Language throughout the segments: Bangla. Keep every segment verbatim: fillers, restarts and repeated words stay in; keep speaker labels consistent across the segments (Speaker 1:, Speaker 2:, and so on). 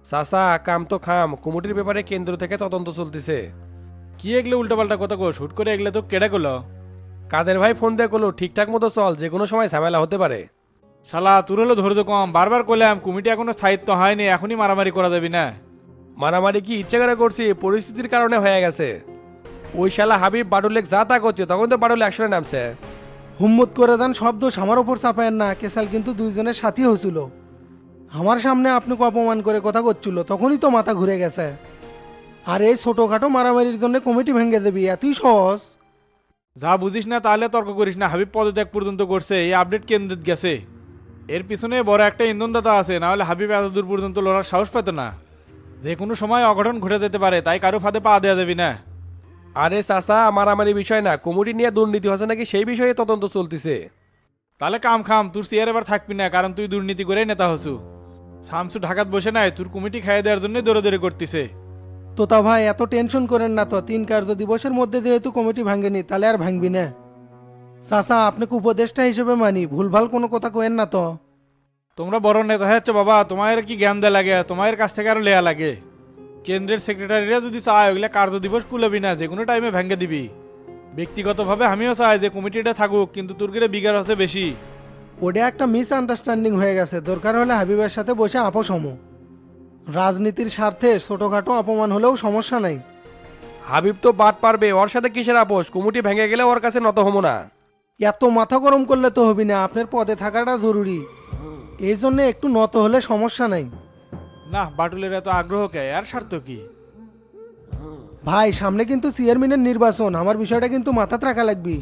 Speaker 1: চাচা কাম তো খাম, কমিটির ব্যাপারে কেন্দ্র থেকে তদন্ত চলতেছে।
Speaker 2: কি এগুলো উল্টাপাল্টা কথা কো শুট করে এগুলো তো কেডা করলো?
Speaker 1: কাদের ভাই ফোন দিয়ে করলো ঠিকঠাক মতো চল, যে কোনো সময় ঝামেলা হতে পারে।
Speaker 2: শালা তোর হলো ধৈর্য কম, বারবার করলাম কমিটি এখনো স্থায়িত্ব হয়নি, এখনই মারামারি করা যাবে না।
Speaker 1: মারামারি কি ইচ্ছে করে করছি, পরিস্থিতির কারণে হয়ে গেছে। ওই শালা হাবিব বাডুলেক যা তা করছে, তখন তো বাডুল অ্যাকশনে নামছে।
Speaker 3: হুম্মত করে দেন, সব দোষ আমার ওপর চাপায়েন না। কেসাল কিন্তু দুইজনের সাথী হয়েছিল। আমার সামনে আপনাকে অপমান করে কথা করছিল, তখনই তো মাথা ঘুরে গেছে। আর এই ছোটোখাটো মারামারির জন্য কমিটি ভেঙে দেবি, এতই সহজ?
Speaker 2: যা বুঝিস না তাহলে তর্ক করিস না। হাবিব পদত্যাগ পর্যন্ত করছে, এই আপডেট কেন্দ্রে গেছে। এর পিছনে বড় একটা ইন্ধনদাতা আছে, না হলে হাবিব এত দূর পর্যন্ত লড়ার সাহস পেত না। যে কোনো সময় অঘটন ঘটে যেতে পারে, তাই কারো ফাঁদে পা দেওয়া যাবি না।
Speaker 1: আরে চাচা মারামারি বিষয় না, কমিটি নিয়ে দুর্নীতি হচ্ছে নাকি সেই বিষয়ে তদন্ত চলতেছে।
Speaker 2: তাহলে কাম খাম, তোর চেয়ার এবার থাকবি না, কারণ তুই দুর্নীতি করে নেতা হসু। শামসু ঢাকাত বসে নাই, তোর কমিটি খাইয়ে দেওয়ার জন্য দৌড়াদৌড়ি করতেছে।
Speaker 3: তোতা ভাই এত টেনশন করেন না তো, তিন কার্য দিবসের মধ্যে যেহেতু কমিটি ভাঙেনি, তাহলে আর ভাঙবি না। চাচা আপনাকে উপদেষ্টা হিসেবে মানি, ভুলভাল কোনো কথা কেন না তো।
Speaker 2: তোমরা বড় নেতা হচ্ছে বাবা, তোমার কি জ্ঞান দেয়া লাগে, তোমার কাছ থেকে আরো লেয়া লাগে। কেন্দ্রের সেক্রেটারিরা যদি চায় ওগুলা কার্য দিবস কুলাবি না, যে কোনো টাইমে ভেঙে দিবি। ব্যক্তিগতভাবে আমিও চাই যে কমিটিটা থাকুক, কিন্তু তোর গেলে বিঘার হচ্ছে বেশি।
Speaker 3: ওটা একটা মিস আন্ডারস্ট্যান্ডিং হয়ে গেছে, দরকার হলে হাবিবের সাথে বসে আপোষ হমো। রাজনীতির স্বার্থে ছোটোখাটো অপমান হলেও সমস্যা নাই।
Speaker 1: হাবিব তো বাদ পারবে, ওর সাথে কিসের আপোষ? কমিটি ভেঙে গেলে ওর কাছে নত হবো না।
Speaker 3: এত মাথা গরম করলে তো হবি না, আপনার পদে থাকাটা জরুরি। এই জন্য একটু নত হলে সমস্যা নাই।
Speaker 2: না বাটুলের এত আগ্রহ কে, আর স্বার্থ কি?
Speaker 3: ভাই সামনে কিন্তু চেয়ারম্যানের নির্বাচন, আমার বিষয়টা কিন্তু মাথাতে রাখা লাগবে।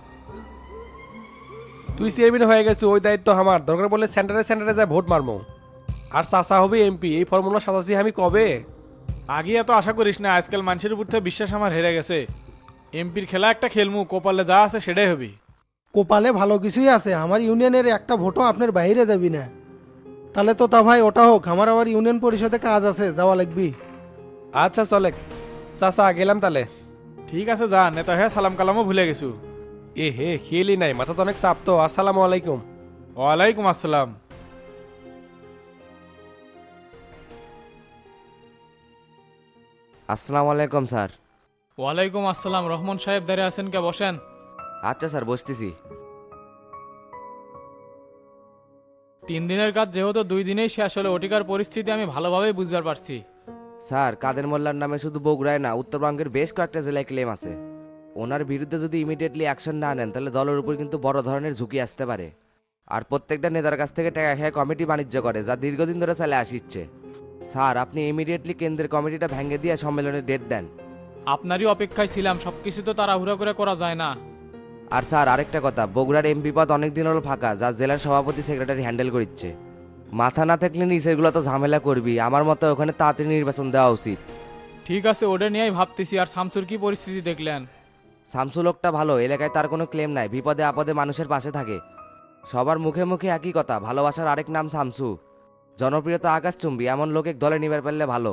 Speaker 1: তুই চেয়ারম্যান হয়ে গেছিস, ওই দায়িত্ব আমার। দরকার বললে সেন্টারে সেন্টারে যায় ভোট মারমো। আর চাচা হবে এমপি, এই ফর্মুলা সাতাশি আমি কবে।
Speaker 2: আগে এত আশা করিস না, আজকাল মানুষের উপর থেকে বিশ্বাস আমার হেরে গেছে। এমপির খেলা একটা খেলমু, কপালে যা আছে সেটাই হবি।
Speaker 3: কোপালে ভালো কিছুই আছে, আমার ইউনিয়নের একটা ভোটও আপনার বাইরে দেবি না। তাহলে তো তা ভাই ওটা হোক, আমার আবার ইউনিয়ন পরিষদে কাজ আছে, যাওয়া লাগবে।
Speaker 1: আচ্ছা চলে চাচা, গেলাম তাহলে।
Speaker 2: ঠিক আছে যা, নেতা হ্যাঁ সালাম কালামও ভুলে গেছু।
Speaker 1: এ হে খেলি নাই, মাথা তো অনেক চাপ তো। আসসালামু আলাইকুম।
Speaker 2: ওয়ালাইকুম আসসালাম।
Speaker 4: আসসালামু আলাইকুম স্যার।
Speaker 5: ওয়ালাইকুম আসসালাম। রহমান সাহেব দাঁড়িয়ে আছেন কে, বসেন।
Speaker 4: আচ্ছা স্যার, বসতেছি।
Speaker 5: তিন দিনের কাজ যেহেতু দুই দিনেই শেষ হলে ওটিকার পরিস্থিতি আমি ভালোভাবেই বুঝবার পারছি।
Speaker 4: স্যার, কাদের মোল্লার নামে শুধু বগুড়ায় না, উত্তরবঙ্গের বেশ কয়েকটা জেলায় ক্লেম আছে। ওনার বিরুদ্ধে যদি ইমিডিয়েটলি অ্যাকশন না নেন, তাহলে দলের উপর কিন্তু বড় ধরনের ঝুঁকি আসতে পারে। আর প্রত্যেকটা নেতার কাছ থেকে টাকা খেয়ে কমিটি বাণিজ্য করে, যা দীর্ঘদিন ধরে চলে আসছে। স্যার, আপনি ইমিডিয়েটলি কেন্দ্রের কমিটিটা ভেঙে দিয়ে সম্মেলনের ডেট দেন।
Speaker 5: আপনারই অপেক্ষায় ছিলাম, সবকিছু তো তাড়াহুড়া করে করা যায় না।
Speaker 4: আর স্যার আরেকটা কথা, বগুড়ার এমপি পদ অনেকদিন হলো ফাঁকা, যা জেলার সভাপতি সেক্রেটারি হ্যান্ডেল করছে। মাথা না থাকলে নিচেরগুলো তো ঝামেলা করবি। আমার মতে ওখানে তাড়াতাড়ি নির্বাচন দেওয়া উচিত।
Speaker 5: ঠিক আছে, ওটা নিয়েই ভাবতেছি। আর শামসুর কি পরিস্থিতি দেখলেন?
Speaker 4: শামসু লোকটা ভালো, এলাকায় তার কোনো ক্লেম নাই, বিপদে আপদে মানুষের পাশে থাকে। সবার মুখে মুখে একই কথা, ভালোবাসার আরেক নাম শামসু। জনপ্রিয়তা আকাশচুম্বী, এমন লোকে দলে নিবার পারলে ভালো।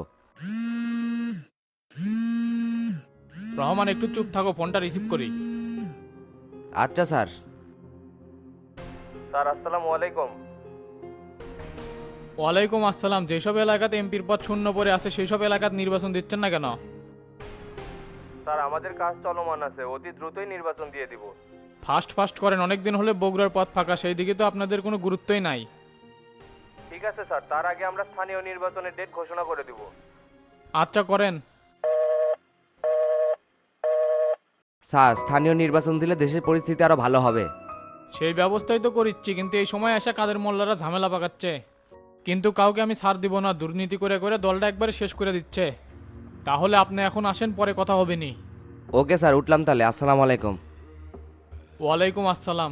Speaker 5: রহমান একটু চুপ থাকো, ফোনটা রিসিভ করি।
Speaker 4: আচ্ছা স্যার।
Speaker 1: স্যার আসসালামু আলাইকুম।
Speaker 5: ওয়ালাইকুম আসসালাম। যেসব এলাকাতে এমপির পদ শূন্য পড়ে আছে সেই সব এলাকাতে নির্বাচন দিচ্ছেন না কেন?
Speaker 1: স্যার আমাদের কাজ চলমান আছে, অতি দ্রুতই নির্বাচন দিয়ে দিব।
Speaker 5: ফাস্ট ফাস্ট করেন, অনেকদিন হলে বগুড়ার পথ ফাঁকা, সেই দিকে তো আপনাদের কোনো গুরুত্বই নাই।
Speaker 1: ঠিক আছে স্যার, তার আগে আমরা স্থানীয় নির্বাচনের ডেট ঘোষণা করে দিব।
Speaker 5: আচ্ছা করেন।
Speaker 4: স্যার, স্থানীয় নির্বাচন দিলে দেশের পরিস্থিতি আরো ভালো হবে।
Speaker 5: সেই ব্যবস্থাই তো করিচ্ছি, কিন্তু এই সময় এসে কাদের মোল্লারা ঝামেলা পাকাচ্ছে। কিন্তু কাউকে আমি ছাড় দিব না, দুর্নীতি করে করে দলটা একবারে শেষ করে দিচ্ছে। তাহলে আপনি এখন আসেন, পরে কথা হবে নি।
Speaker 4: ওকে স্যার, উঠলাম তাহলে। আসসালামু আলাইকুম।
Speaker 5: ওয়ালাইকুম আসসালাম।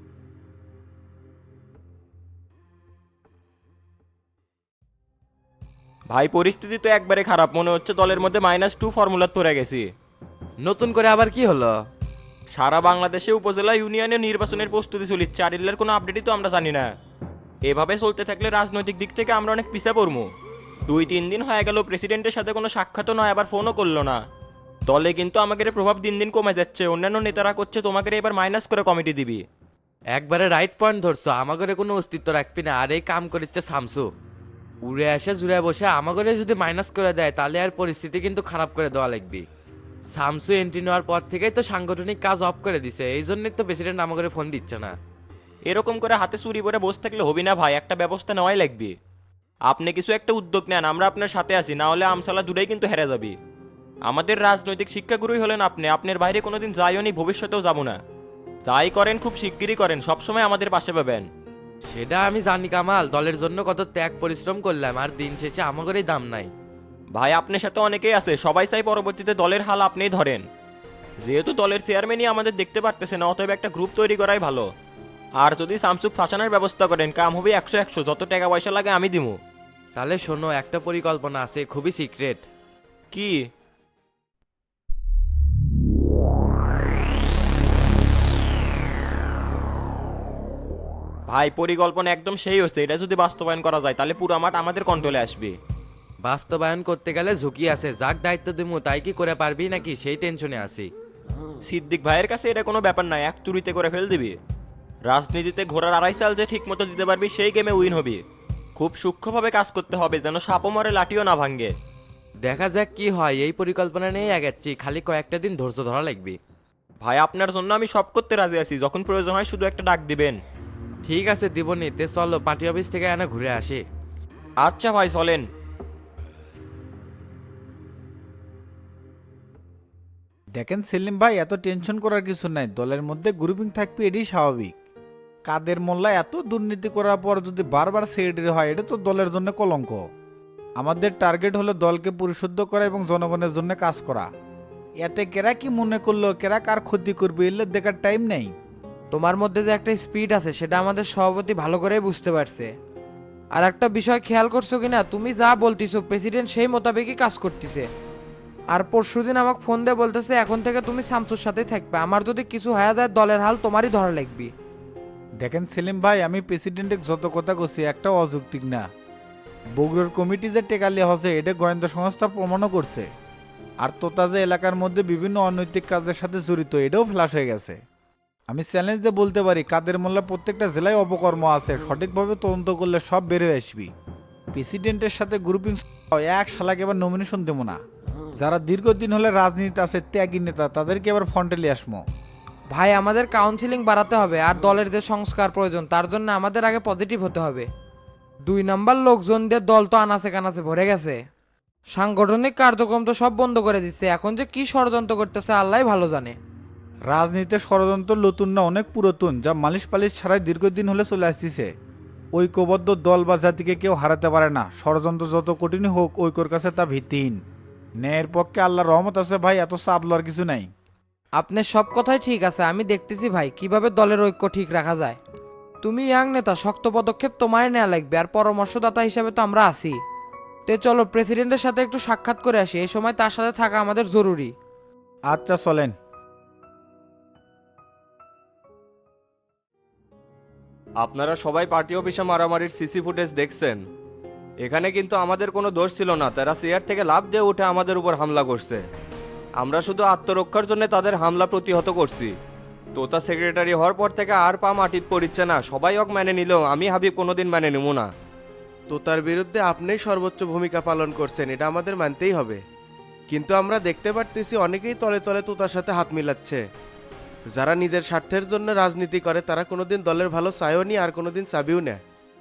Speaker 6: ভাই পরিস্থিতি তো একবারে খারাপ, মনে হচ্ছে দলের মধ্যে মাইনাস টু ফর্মুলা পড়ে গেছি।
Speaker 7: নতুন করে আবার কি হলো?
Speaker 6: সারা বাংলাদেশে উপজেলা ইউনিয়নে নির্বাচনের প্রস্তুতি চলিচ্ছে, আর এর কোনো আপডেটই তো আমরা জানি না। এভাবে চলতে থাকলে রাজনৈতিক দিক থেকে আমরা অনেক পিছিয়ে পড়বো। দুই তিন দিন হয়ে গেল প্রেসিডেন্টের সাথে কোনো সাক্ষাৎও নয়, আবার ফোনও করলো না। দলে কিন্তু আমাদের প্রভাব দিন দিন কমে যাচ্ছে। অন্যান্য নেতারা করছে তোমাকে এবার মাইনাস করে কমিটি দিবি।
Speaker 7: একবারে রাইট পয়েন্ট ধরছো, আমাদের কোনো অস্তিত্ব রাখবি না। আর এই কাম করিচ্ছে শামসু। উড়ে আসে জুড়ে বসে আমাকে যদি মাইনাস করে দেয় তাহলে আর পরিস্থিতি কিন্তু খারাপ করে দেওয়া লাগবে। সামসু এন্ট্রি নেওয়ার পর থেকেই তো সাংগঠনিক কাজ অফ করে দিছে, এই জন্যই তো প্রেসিডেন্ট আমাকে ফোন দিচ্ছে না।
Speaker 6: এরকম করে হাতে চুরি করে বসে থাকলে হবি না ভাই, একটা ব্যবস্থা নেওয়াই লাগবে। আপনি কিছু একটা উদ্যোগ নেন, আমরা আপনার সাথে আছি, না হলে আমসালা দূরেই কিন্তু হেরে যাবি। আমাদের রাজনৈতিক শিক্ষাগুরুই হলেন আপনি, আপনার বাইরে কোনোদিন যাইও নি, ভবিষ্যতেও যাবো না। যাই করেন খুব শিগগিরই করেন, সবসময় আমাদের পাশে পাবেন।
Speaker 7: সেটা আমি জানি কামাল, দলের জন্য কত ত্যাগ পরিশ্রম করলাম, আর দিন শেষে আমাদেরই দাম নাই।
Speaker 6: ভাই আপনার সাথে অনেকেই আছে, সবাই চাই পরবর্তীতে দলের হাল আপনিই ধরেন। যেহেতু দলের চেয়ারম্যানই আমাদের দেখতে পারতেছে না, অতএব একটা গ্রুপ তৈরি করাই ভালো। আর যদি সামসুক ফাঁসানোর ব্যবস্থা করেন, কাম হবে একশো একশো, যত টাকা পয়সা লাগে আমি দিমু।
Speaker 7: তাহলে শোনো, একটা পরিকল্পনা আছে, খুবই সিক্রেট।
Speaker 6: কি? ভাই পরিকল্পনা একদম সেই হচ্ছে, এটা যদি বাস্তবায়ন করা যায় তাহলে পুরো মাঠ আমাদের কন্ট্রোলে আসবে।
Speaker 7: বাস্তবায়ন করতে গেলে ঝুঁকি আছে, যাক দায়িত্ব দিমু তাই কি করে পারবি নাকি, সেই টেনশনে আছি।
Speaker 6: সিদ্দিক ভাইয়ের কাছে এটা কোনো ব্যাপার নয়, এক তুড়িতে করে ফেল দিবি। রাজনীতিতে ঘোড়ার আড়াই সাল যে ঠিক মতো দিতে পারবি সেই গেমে উইন হবি। খুব সূক্ষ্মভাবে কাজ করতে হবে, যেন সাপও মরে লাঠিও না ভাঙ্গে।
Speaker 7: দেখা যাক কি হয়, এই পরিকল্পনা নিয়ে আগাচ্ছি, খালি কয়েকটা দিন ধৈর্য ধরা লাগবে।
Speaker 6: ভাই আপনার জন্য আমি সব করতে রাজি আছি, যখন প্রয়োজন হয় শুধু একটা ডাক দিবেন।
Speaker 7: ঠিক আছে দিবনি, তে চলো পার্টি অফিস থেকে এনে ঘুরে আসি।
Speaker 6: আচ্ছা ভাই চলেন।
Speaker 8: দেখেন সেলিম ভাই, এত টেনশন করার কিছু নাই, দলের মধ্যে গ্রুপিং থাকবে এটাই স্বাভাবিক। কাদের মোল্লা এত দুর্নীতি করার পর যদি বারবার সেক্রেটারি হয়, এটা তো দলের জন্য কলঙ্ক। আমাদের টার্গেট হলো দলকে পরিশুদ্ধ করা এবং জনগণের জন্য কাজ করা। এতে কেরা কি মনে করলো, কেরা কার ক্ষতি করবে এলে দেখার টাইম নেই।
Speaker 9: তোমার মধ্যে যে একটা স্পিড আছে সেটা আমাদের সভাপতি ভালো করেই বুঝতে পারছে। আর একটা বিষয় খেয়াল করছো কিনা, তুমি যা বলতিছো প্রেসিডেন্ট সেই মোতাবেকই কাজ করতেছে। আর পরশুদিন আমাকে ফোন দিয়ে বলতেছে এখন থেকে তুমি শামসুর সাথেই থাকবে, আমার যদি কিছু হয়ে যায় দলের হাল তোমারই ধরা লাগবে।
Speaker 8: দেখেন সেলিম ভাই, আমি প্রেসিডেন্টের যত কথা করছি একটা অযৌক্তিক না। বগুড়ার কমিটি যে টেকালি হচ্ছে এটা গোয়েন্দা সংস্থা প্রমাণও করছে। আর তোতা যে এলাকার মধ্যে বিভিন্ন অনৈতিক কাজের সাথে জড়িত এটাও ফ্ল্যাশ হয়ে গেছে। আমি চ্যালেঞ্জ দিয়ে বলতে পারি, কাদের মোল্লা প্রত্যেকটা জেলায় অপকর্ম আছে, সঠিকভাবে তদন্ত করলে সব বের হয়ে আসবি। প্রেসিডেন্টের সাথে গ্রুপিং এক শালাকে এবার নমিনেশন দেবো না। যারা দীর্ঘদিন হলে রাজনীতি আছে, ত্যাগী নেতা, তাদেরকে এবার ফ্রন্টে নিয়ে আসবো।
Speaker 9: ভাই আমাদের কাউন্সিলিং বাড়াতে হবে, আর দলের যে সংস্কার প্রয়োজন তার জন্য আমাদের আগে পজিটিভ হতে হবে। দুই নাম্বার লোকজনদের দল তো আনাচে কানাচে ভরে গেছে, সাংগঠনিক কার্যক্রম তো সব বন্ধ করে দিচ্ছে, এখন যে কি ষড়যন্ত্র করতেছে আল্লাহ ভালো জানে।
Speaker 8: রাজনীতিতে ষড়যন্ত্র নতুন না, অনেক পুরাতন, যা মালিশ পালিশ ছাড়াই দীর্ঘদিন হলে চলে আসতেছে। ঐক্যবদ্ধ দল বা জাতিকে কেউ হারাতে পারে না, ষড়যন্ত্র যত কঠিনই হোক ঐক্যর কাছে তা ভিত্তিহীন। ন্যায়ের পক্ষে আল্লাহর রহমত আছে ভাই, এত চাপ লওয়ার কিছু নাই।
Speaker 9: আপনার সব কথাই ঠিক আছে, আমি দেখতেছি ভাই কিভাবে দলের ঐক্য ঠিক রাখা যায়। তুমি ইয়াং নেতা, শক্ত পদক্ষেপ তোমায় নেওয়া লাগবে, আর পরামর্শদাতা হিসেবে তো আমরা আছি। তে চলো প্রেসিডেন্টের সাথে একটু সাক্ষাৎ করে আসি, এই সময় তার সাথে থাকা আমাদের জরুরি।
Speaker 8: আচ্ছা চলেন।
Speaker 10: আপনারা সবাই পার্টি অফিসে মারামারির সিসি ফুটেজ দেখছেন। এখানে কিন্তু আমাদের কোনো দোষ ছিল না, তারা চেয়ার থেকে লাফ দিয়ে উঠে আমাদের উপর হামলা করছে। আমরা শুধু আত্মরক্ষার জন্য তাদের হামলা প্রতিহত করছি। তোতা সেক্রেটারি হওয়ার পর থেকে আর পা মাটিত পড়িচ্ছে না, সবাই অক মেনে নিলেও আমি হাবিব কোনোদিন মেনে নেব না।
Speaker 11: তোতার বিরুদ্ধে আপনিই সর্বোচ্চ ভূমিকা পালন করছেন, এটা আমাদের মানতেই হবে। কিন্তু আমরা দেখতে পারতেছি অনেকেই তলে তলে তোতার সাথে হাত মিলাচ্ছে। যারা নিজের স্বার্থের জন্য রাজনীতি করে তারা কোনোদিন দলের ভালো চায়ও নি, আর কোনোদিন চাবিও না।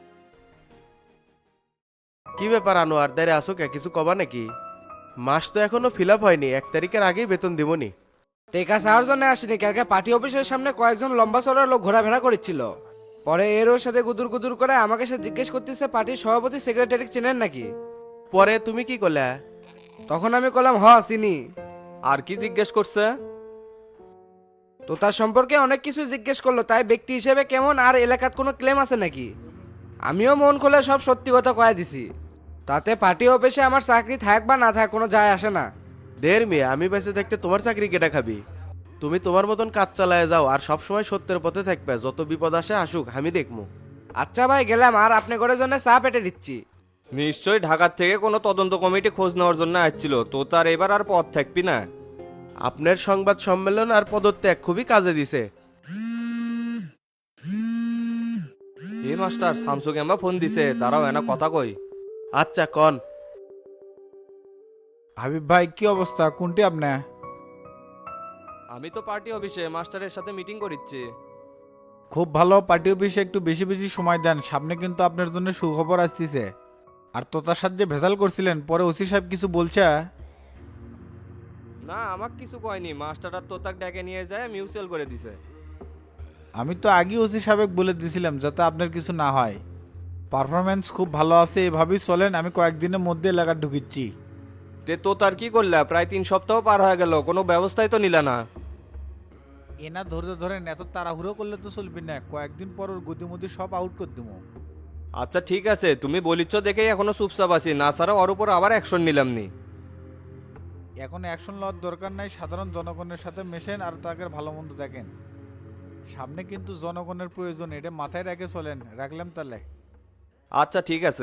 Speaker 11: কি ব্যাপার আনোয়ার, দাঁড়ে আসো কে, কিছু কবা নাকি? মাস তো এখনো ফিল আপ হয়নি, এক তারিখের আগেই বেতন দিবনি।
Speaker 9: টেকা চাওয়ার জন্য আসেনি, কালকে পার্টি অফিসের সামনে কয়েকজন লম্বা চড়া লোক ঘোরাফেরা করছিল। পরে এর ওর সাথে গুদুর গুদুর করে আমাকে সে জিজ্ঞেস করতেছে পার্টির সভাপতি সেক্রেটারি চেনেন নাকি।
Speaker 11: পরে তুমি কি করলে?
Speaker 9: তখন আমি বললাম হ চিনি।
Speaker 10: আর কি জিজ্ঞেস করছে?
Speaker 9: তো তার সম্পর্কে অনেক কিছু জিজ্ঞেস করলো, তাই ব্যক্তি হিসেবে কেমন, আর এলাকার কোনো ক্লেম আছে নাকি। আমিও মন খুলে সব সত্যি কথা কয়ে দিছি। তাতে পার্টি অফিসে আমার চাকরি থাক বা না থাক কোনো যায় আসে না।
Speaker 11: দের মেয়ে, আমি বেঁচে থাকতে তোমার চাকরি কেটা খাবি? তুমি তোমার মতন কাজ চালায় যাও, আর সবসময় সত্যের পথে থাকবে, যত বিপদ আসে আসুক আমি দেখবো।
Speaker 9: আচ্ছা ভাই গেলাম, আর আপনি করে জন্য চা পেটে দিচ্ছি।
Speaker 10: নিশ্চয়ই ঢাকার থেকে কোনো তদন্ত কমিটি খোঁজ নেওয়ার জন্য আসছিল, তো তার এবার আর পথ থাকবি না।
Speaker 11: আপনার সংবাদ সম্মেলন আর পদত্যাগ খুবই কাজে দিছে।
Speaker 10: এই মাস্টার শামসুকে আমরা ফোন দিছে, দাঁড়াও এনা কথা কই।
Speaker 11: আচ্ছা কন।
Speaker 8: হাবিব ভাই কি অবস্থা, কোনটি আপনি?
Speaker 10: আমি তো পার্টি অফিসে মাস্টারের সাথে মিটিং করিচ্ছি।
Speaker 8: খুব ভালো, পার্টি অফিসে একটু বেশি বেশি সময় দেন, সামনে কিন্তু আপনার জন্য সুখবর আসতেছে। আর তোতার সাথে যে ভেজাল করছিলেন পরে ওসি সাহেব কিছু বলছে?
Speaker 10: না, আমাকে কিছু কয়নি, মাস্টার আর তোতাক ডেকে নিয়ে যায় মিউচুয়াল করে দিছে।
Speaker 8: আমি তো আগে ওসি সাহেব বলে দিয়েছিলাম যাতে আপনার কিছু না হয়। পারফরমেন্স খুব ভালো আছে, এভাবেই চলেন, আমি কয়েকদিনের মধ্যে এলাকা ঢুকিচ্ছি।
Speaker 10: তে তোতার কি করলা? প্রায় তিন সপ্তাহ পার হয়ে গেল, কোনো ব্যবস্থাই তো নিলা না।
Speaker 8: এনা ধৈর্য ধরেন, এত তাড়াহুড়ো করলে তো চলবে না, কয়েকদিন পর ওর গতিমতি সব আউট করে দেবো।
Speaker 10: আচ্ছা ঠিক আছে, তুমি বলিচ্ছ দেখেই এখনো চুপচাপ আছি, না ছাড়া ওর উপর আবার অ্যাকশন নিলাম নি।
Speaker 8: এখন অ্যাকশন লওয়ার দরকার নাই, সাধারণ জনগণের সাথে মেশেন আর তাকে ভালো মন্দ দেখেন। সামনে কিন্তু জনগণের প্রয়োজন, এটা মাথায় রেখে চলেন। রাখলাম তাহলে।
Speaker 10: আচ্ছা ঠিক আছে।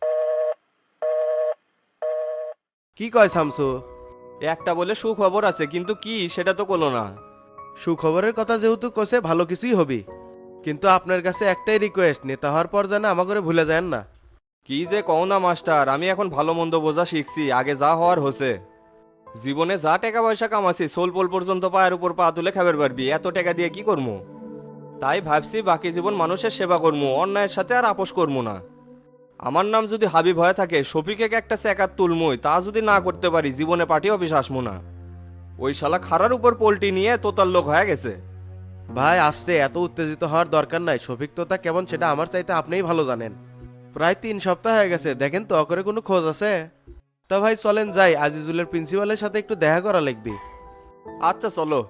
Speaker 11: কি কয় শামসু?
Speaker 10: একটা বলে সুখবর আছে, কিন্তু কি সেটা তো কোনো না।
Speaker 11: সুখবরের কথা যেহেতু কোসে ভালো কিছুই হবি, কিন্তু আপনার কাছে একটাই রিকোয়েস্ট, নেতা হওয়ার পর যেন আমাকে ভুলে যান না।
Speaker 10: কি যে কও না মাস্টার, আমি এখন ভালো মন্দ বোঝা শিখছি, আগে যা হওয়ার হচ্ছে। জীবনে যা টাকা পয়সা কামাছি সোল পোল পর্যন্ত পায়ের উপর পা তুলে খাবার পারবি, এত টাকা দিয়ে কি করবো? তাই ভাবছি বাকি জীবন মানুষের সেবা করবো, অন্যায়ের সাথে আর আপোষ করবো না। আমার নাম যদি হাবিব হয়ে থাকে, শফিকে একটা চেকার তুলমুই, তা যদি না করতে পারি জীবনে পার্টি অফিস আসবো না। ওই শালা খারার উপর পোল্টি নিয়ে তোতার লোক হয়ে গেছে।
Speaker 11: ভাই আসতে এত উত্তেজিত হওয়ার দরকার নাই, শফিক তোতা কেমন সেটা আমার চাইতে আপনিই ভালো জানেন। প্রায় তিন সপ্তাহ হয়ে গেছে, দেখেন তো অকরে কোনো খোঁজ আছে? তা ভাই চলেন যাই, আজিজুলের প্রিন্সিপালের সাথে একটু দেখা করা লাগবে।
Speaker 10: আচ্ছা চলো।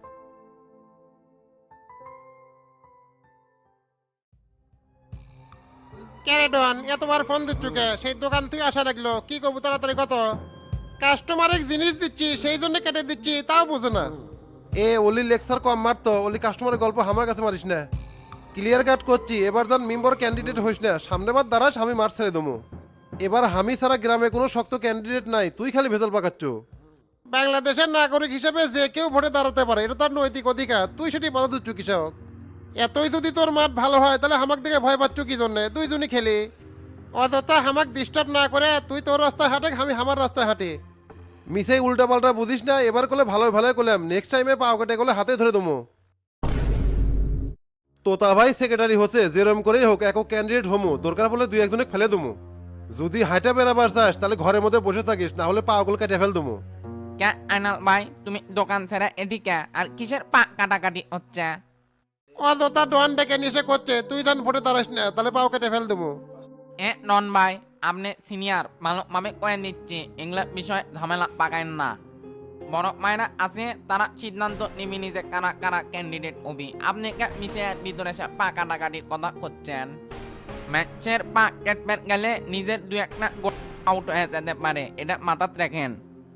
Speaker 12: ক্যারেডন এতবার ফোন দিচ্ছ কে? সেই দোকান থেকে আসা লাগলো, কি করবো তাড়াতাড়ি কত? কাস্টমারে জিনিস দিচ্ছি সেই জন্য কেটে দিচ্ছি, তাও বুঝে না। এ ওলি লেকচার কম মারতো, ওলি কাস্টমারের গল্প আমার কাছে মারিস না। ক্লিয়ার কাট করছি, এবার যান মেম্বার ক্যান্ডিডেট হইস না, সামনেবার দ্বারাস আমি মার ছেড়ে দেবো। এবার আমি ছাড়া গ্রামে কোনো শক্ত ক্যান্ডিডেট নাই, তুই খালি ভেজাল পাকাচ্ছ। বাংলাদেশের নাগরিক হিসেবে যে কেউ ভোটে দাঁড়াতে পারে, এটা তার নৈতিক অধিকার, তুই সেটি বাধা দিচ্ছ কৃষক। এতই যদি তোর মাঠ ভালো হয় তাহলে হামাক দিকে ভয় পাচ্ছ কি জন্যে? দুইজনই খেলি, অযথা হামাক ডিস্টার্ব না করে তুই তোর রাস্তায় হাঁটে, আমি আমার রাস্তায় হাঁটি। মিসেই উল্টা পাল্টা বুঝিস না, এবার করলে ভালো ভালো করলাম, নেক্সট টাইমে পাও কেটে করলে হাতে ধরে দেবো। তোতা ভাই সেক্রেটারি হচ্ছে, যেরম করেই হোক একক ক্যান্ডিডেট হমু, দরকার পড়লে দুই একজনে ফেলে দেবো। যদি হাইটা বেড়াবার চাস তাহলে ঘরের মধ্যে বসে থাকিস, না হলে পাগল কেটে ফেল দেবো।
Speaker 9: কে আইনাল ভাই, তুমি দোকান ছেড়ে এদিকে আর কিসের পা কাটাকাটি হচ্ছে?
Speaker 12: অযথা ডন ডেকে নিষে করছে, তুই ধান ভোটে দাঁড়াস না, তাহলে পাও কেটে ফেল দেবো।
Speaker 9: এ নন ভাই, আপনি সিনিয়র, ভালোভাবে কয়ে নিচ্ছি, এগুলা বিষয় ঝামেলা পাকায়েন না। বড় মায়েরা আছে, তারা সিদ্ধান্ত নিবি নিজে কারা কারা ক্যান্ডিডেট হবি। আপনি কে মিশিয়ার ভিতরে সে পা কাটাকাটির কথা করছেন? ম্যাচের পা কেটে গেলে নিজের দু একটা গোল আউট হয়ে যেতে পারে, এটা মাথাত রাখেন।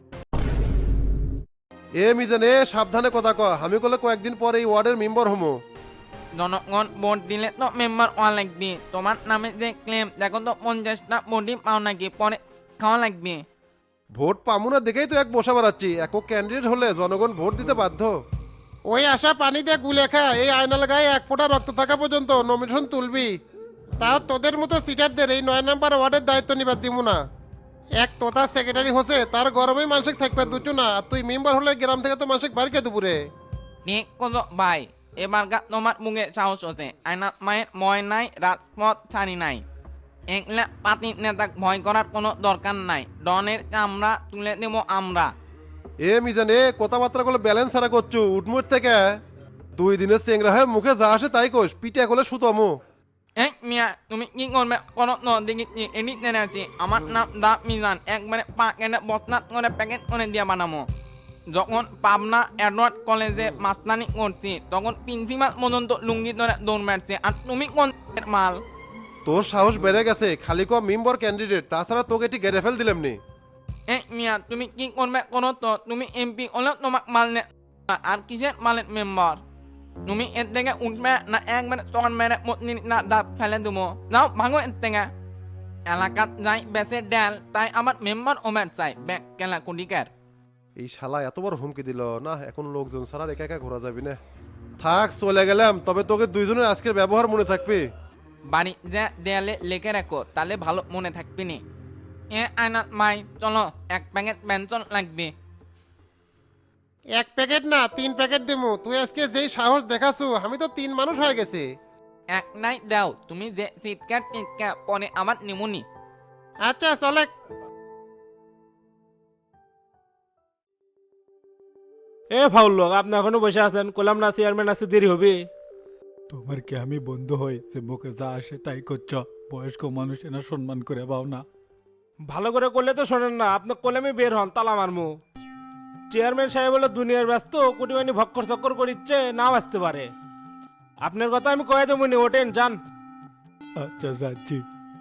Speaker 12: এ মিজান এ সাবধানে কথা ক, আমি করলে কয়েকদিন পরে এই ওয়ার্ডের মেম্বার হমো।
Speaker 9: জনগণ ভোট দিলে তো মেম্বার হওয়া লাগবে। তোমার নামে যে ক্লেম, দেখো তো পঞ্চাশটা ভোটই পাও নাকি, পরে খাওয়া লাগবে।
Speaker 12: ভোট পামু না দেখেই তো এক বসা বাড়াচ্ছি, একক ক্যান্ডিডেট হলে জনগণ ভোট দিতে বাধ্য। ওই আশা পানি দিয়ে গুলে খা, এই আয়নাল গায়ে এক ফোঁটা রক্ত থাকা পর্যন্ত নমিনেশন তুলবি। তাও তোদের মতো সিটারদের এই নয় নাম্বার ওয়ার্ডের দায়িত্ব নিবার দিব না। এক তোতা সেক্রেটারি হচ্ছে, তার গরমেই মানসিক থাকবে দুচু না, আর তুই মেম্বার হলে গ্রাম থেকে তো মানসিক বাড়িকে দুপুরে।
Speaker 9: ঠিক কোজো ভাই, এবার গা তোমার মুখে সাহস হচ্ছে। আয়না মায়ের ময় নাই, রাজপথ ছাড়ি নাই। এগুলা পাতি নেতাক ভয় করার কোনো দরকার নাই, ডনের চামড়া তুলে দেব আমরা।
Speaker 12: এ মিজান এ কথাবার্তা গুলো ব্যালেন্স সারা করছু, উঠমুট থেকে দুই দিনের চেংরা হয়ে মুখে যা আসে তাই কোষ, পিঠে করলে সুতমু।
Speaker 9: এই মিয়া, তুমি কি করবে কোনো ন দেখি এডিট নেনে আছি। আমার নাম দা মিজান, একবারে পা কেটে বস্তাত করে প্যাকেট করে দিয়ে বানামো। যখন পাবনা এডওয়ার্ড কলেজে মাস্তানি করছি, তখন প্রিন্সিপাল পর্যন্ত লুঙ্গি ধরে দৌড় মারছে, আর তুমি কোন মাল?
Speaker 12: তোর সাহস বেড়ে গেছে, খালি ক মেম্বার ক্যান্ডিডেট, তাছাড়া তোকে এটি গেড়ে ফেল দিলাম নি।
Speaker 9: এই মিয়া, তুমি কি করবে কোনো তো? তুমি এমপি হলেও তোমাক মাল নে, আর কিসের মালের মেম্বার? তুমি এর থেকে উঠবে না একবারে তখন মেরে মতনি না দাঁত ফেলে দেবো। যাও ভাঙো এর থেকে। এলাকাত যাই বেসে ডেল, তাই আমার মেম্বার ওমের চাই, ব্যাগ কেলা কুডিকার।
Speaker 12: এই শালা এত বড় হুমকি দিল না, এখন লোকজন ছাড়া একা একা ঘোরা যাবি না। থাক চলে গেলাম, তবে তোকে দুইজনের আজকের ব্যবহার মনে থাকবে।
Speaker 9: বাড়ি যে দেয়ালে লেখে রাখো, তাহলে ভালো মনে থাকবি নি।
Speaker 5: এ আয়নাত মাই চলো এক প্যাকেট ব্যঞ্জন লাগবে।
Speaker 12: এক প্যাকেট না তিন প্যাকেট দেবো, তুই আজকে যেই সাহস দেখাছু আমি তো তিন মানুষ হয়ে গেছি।
Speaker 5: এক নাই দাও, তুমি যে চিৎকার চিৎকার পরে আমার নিমুনি।
Speaker 12: আচ্ছা চলে।
Speaker 2: এ ফাউল লোক, আপনি এখনো বসে আছেন, কলাম না চেয়ারম্যান আছে, দেরি হবে।
Speaker 8: তোমার কি আমি বন্ধু হই যে মুখে যা আসে তাই করছ? বয়স্ক মানুষ এনা সম্মান করে পাও না?
Speaker 2: ভালো করে করলে তো শোনেন না, আপনি কলামে বের হন, তালা মারমু। চেয়ারম্যান সাহেব হলো দুনিয়ার ব্যস্ত, কোটি মানি ভক্কর চক্কর করিচ্ছে, নাও আসতে পারে। আপনার কথা আমি কয়ে দেবো নি, ওঠেন যান।
Speaker 8: আচ্ছা যাচ্ছি।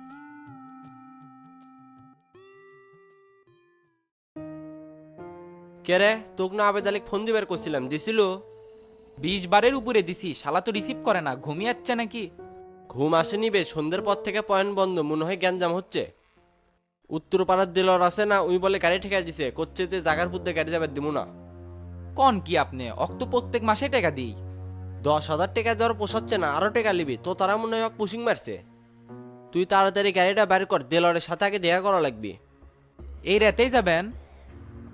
Speaker 10: কে রে, তোক না আবেদালিক ফোন দিবার করছিলাম, দিছিল?
Speaker 5: বিশ বারের উপরে দিছি, শালা তো রিসিভ করে না, ঘুমিয়াচ্ছে নাকি?
Speaker 10: ঘুম আসেনি বে, সন্ধ্যের পর থেকে পয়েন্ট বন্ধ, মনে হয় গ্যাঞ্জাম হচ্ছে। উত্তর পাড়ার দিলর আছে না, উই বলে গাড়ি ঠেকা দিছে, করছে যে জাগার পুদ্দে গাড়ি যাবে দিমু না।
Speaker 5: কোন কি আপনি অক্ত প্রত্যেক মাসে টাকা দিই?
Speaker 10: দশ হাজার টাকা দেওয়ার পোষাচ্ছে না, আরো টাকা লিবি তো? তারা মনে হয় পুশিং মারছে। তুই তাড়াতাড়ি গাড়িটা বের কর, দিলরের সাথে আগে দেখা করা লাগবে।
Speaker 5: এই রাতেই যাবেন?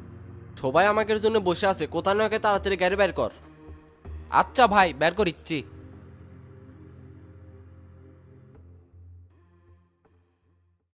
Speaker 10: সবাই আমাকে জন্য বসে আছে, কোথাও না তাড়াতাড়ি গাড়ি বের কর।
Speaker 5: আচ্ছা ভাই, বের করিচ্ছি।